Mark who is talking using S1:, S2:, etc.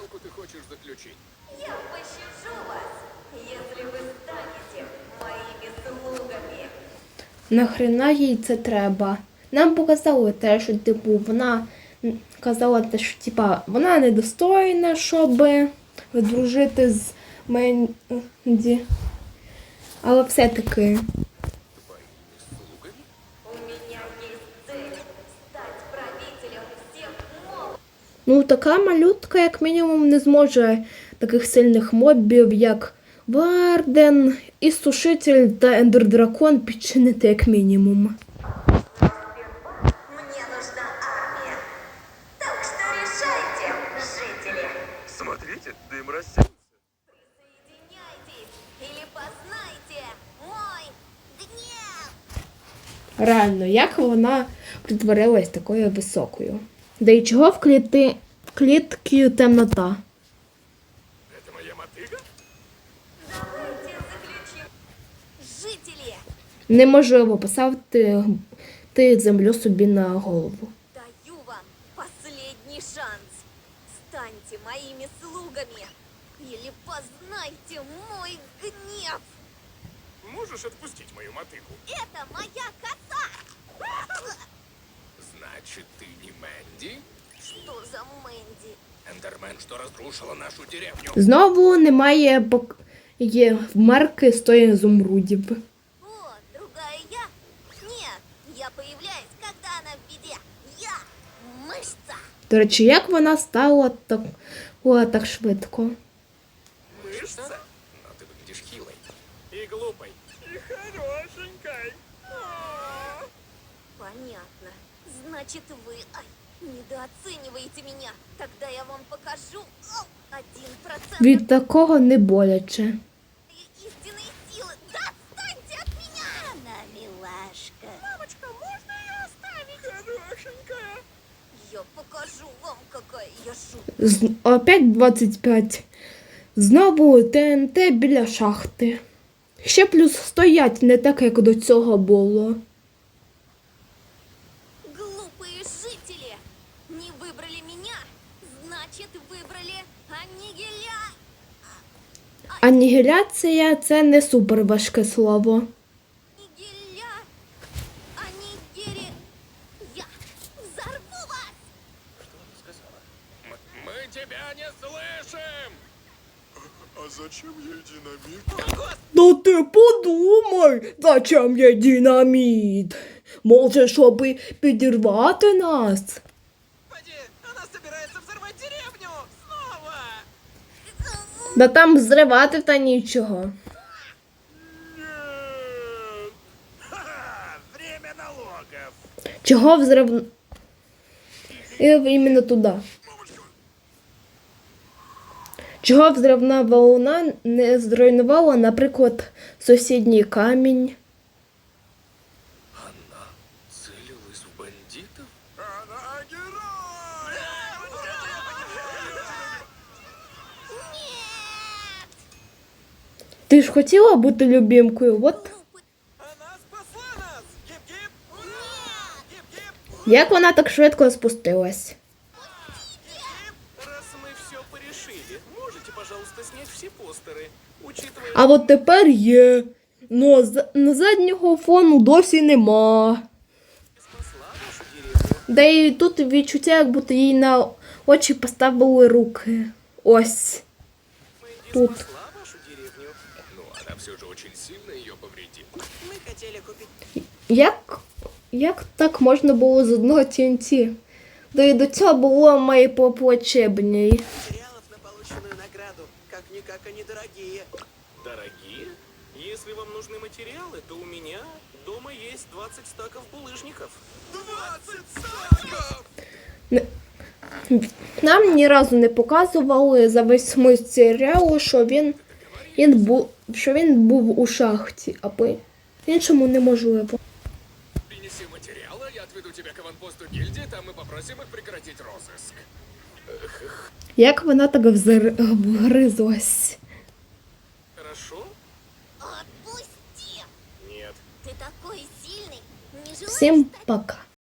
S1: сделку ты хочешь заключить?
S2: Я пощажу вас, если вы станете моими слугами.
S3: Нахрена їй це треба? Нам показали те, що типу вона казала те, що типа вона недостойна, щоб дружити з Менді. Але все-таки.
S1: Твоими слугами?
S2: У меня есть цель стать правителем всех мобов.
S3: Ну, така малютка, як мінімум, не зможе таких сильних мобів, як Варден, і Сушитель та Ендердракон підчинити як мінімум.
S2: Мне нужна армия. Так что решайте, жители.
S1: Смотрите, дым рассеялся.
S2: Присоединяйтесь или познайте мой гнев.
S3: Реально, як вона притворилась такою високою? Да і чого в клітці темнота?
S1: Это моя мотыга?
S2: Давайте заключим. Жители,
S3: Неможливо поставити землю собі на голову.
S2: даю вам последний шанс. Станьте моими слугами или познайте мой гнев.
S1: Можешь отпустить мою мотыгу?
S2: Это моя коса.
S1: Значит, ты не Мэнди?
S2: Что за Мэнди?
S1: Эндермен, что разрушила нашу деревню.
S3: Знову немає є марки з тої ізумрудів.
S2: О, другая я? Нет, я появляюсь, когда она в беде. Я мышца.
S3: До речі, як вона стала так швидко?
S1: Мышца? Но ты выглядишь хилой. И глупой. И хорошенькой.
S2: Понятно. Значит, вы недооцениваете меня. Тогда я вам покажу 1%
S3: Від такого не боляче.
S2: истинной силы. Да отстаньте от меня! Она милашка. Мамочка, можно ее оставить?
S1: Хорошенькая.
S2: Я покажу вам, какая я жуткая.
S3: Опять 25. Знову ТНТ біля шахти. Ще плюс стоять не так, як до цього було.
S2: Глупые жители! Не выбрали меня, значит, выбрали аннигиля...
S3: Анігіляція – це не супер важке слово.
S2: Аннигиля... Аннигири... Я взорву вас!
S1: Что она сказала? Мы тебя не слышим! А зачем ей динамит?
S3: Да ти подумай, зачем є динаміт? Може, щоб підірвати нас?
S4: Господи, она собирается взорвать деревню! Снова!
S3: Да там зривати та нічого.
S1: Нет!
S4: Ха-ха! Время налогов!
S3: Чого взрив... Іменно туди. Чого взривна волна не зруйнувала, наприклад, сусідній камінь?
S1: Она целилась в бандитов?
S4: Она герой!
S3: Ти ж хотіла бути любімкою, от
S4: Она спасла нас! Гип-гип! Гип-гип!
S3: як вона так швидко спустилась.
S4: Раз мы все порешили, можете, пожалуйста, снять все постеры, учитывая...
S3: А от тепер є. Но на заднього фону досі нема.
S4: Спасла вашу деревню.
S3: Да і тут відчуття, як будто їй на очі поставили руки. Ось.
S4: Мэнди
S3: Тут.
S4: спасла вашу деревню.
S1: Ну, она все же очень сильно ее повредила.
S4: Мы хотели купить...
S3: Як так можна було з одного TNT? Да і до цього було має поплачебній.
S4: Материалов на полученную награду. Как-никак они дорогие. Дорогие? Если вам нужны материалы, то у меня дома есть 20 стаков булыжников. 20 стаков!
S3: Нам ні разу не показували за весь смисл серіалу, що він був у шахті, а по-іншому неможливо.
S1: Принеси материалы, я отведу тебя к аванпосту гильдии, там мы попросим их прекратить розыск.
S3: Як вона так вгризлась?
S4: Хорошо?
S2: Отпусти!
S4: Нет.
S2: Ты такой сильный. Не желаешь
S3: Всім
S2: стать
S3: пока.